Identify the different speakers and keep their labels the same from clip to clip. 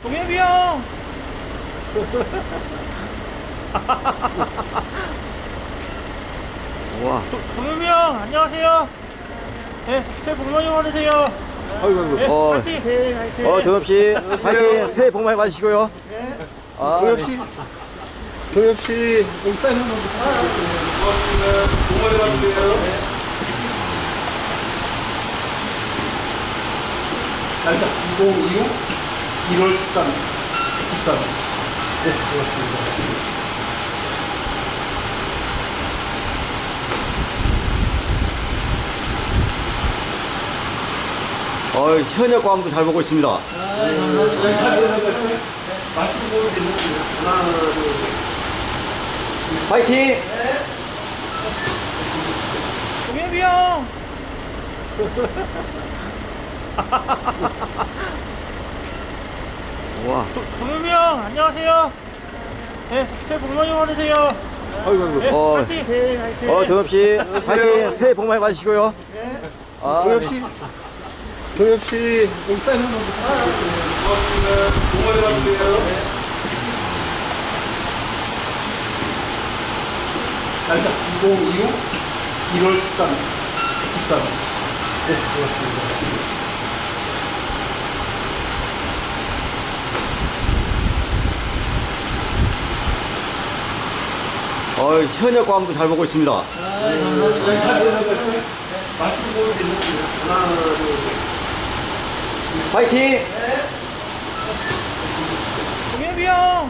Speaker 1: 동엽이 형!
Speaker 2: 우와.
Speaker 1: 동엽이 형, 안녕하세요. 네, 새해 복 많이 받으세요.
Speaker 2: 아이고,
Speaker 1: 네,
Speaker 2: 아이고.
Speaker 1: 화이팅! 네, 화이팅!
Speaker 2: 동엽씨, 화이팅! 새해 복 많이 받으시고요. 아,
Speaker 3: 동엽씨, 동엽씨, 여기 사인 한번 부탁드릴게요. 고맙습니다. 복 많이 받으세요. 날짜 2025 1월 13일. 13일. 네, 고맙습니다.
Speaker 2: 현역 광도 잘 보고 있습니다.
Speaker 3: 말씀 보여드리겠습니다. 하나, 둘, 셋.
Speaker 2: 화이팅!
Speaker 1: 동엽이 형!
Speaker 2: 우와.
Speaker 1: 동엽이 형, 안녕하세요. 네, 새해 복 많이 받으세요.
Speaker 2: 아이고,
Speaker 1: 네, 화이팅! 네, 화이팅!
Speaker 2: 동엽씨, 화이팅! 새해 복 많이 받으시고요. 아,
Speaker 3: 동엽씨, 동엽씨, 여기 사인 한번 부탁드릴게요. 고맙습니다. 복 많이 받으세요. 날짜 2025 1월 13일. 13일. 네, 고맙습니다.
Speaker 2: 현역 광도 잘 보고 있습니다.
Speaker 3: 말씀 보여드리겠습니다. 하나, 둘, 셋.
Speaker 2: 화이팅!
Speaker 1: 동엽이 형!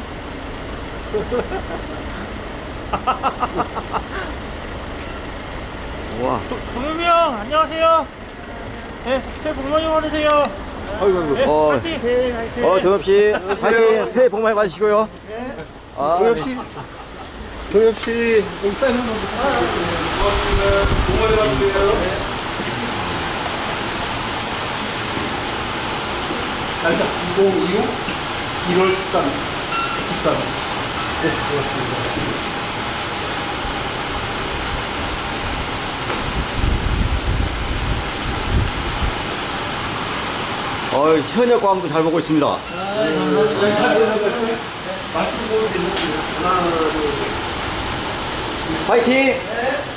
Speaker 2: 우와.
Speaker 1: 동엽이 형, 안녕하세요. 네, 새해 복 많이 받으세요.
Speaker 2: 아이고,
Speaker 1: 네, 화이팅! 네, 화이팅!
Speaker 2: 동엽씨, 화이팅! 새해 복 많이 받으시고요. 아,
Speaker 3: 동엽씨, 동엽씨, 여기 사인 한번 부탁드릴게요. 고맙습니다. 복 많이 받으세요. 날짜 2025 1월 13일. 13일. 네, 고맙습니다.
Speaker 2: 현역 광도 잘 보고 있습니다.
Speaker 3: 말씀 보여드리겠습니다. 하나, 둘, 셋.
Speaker 2: 화이팅!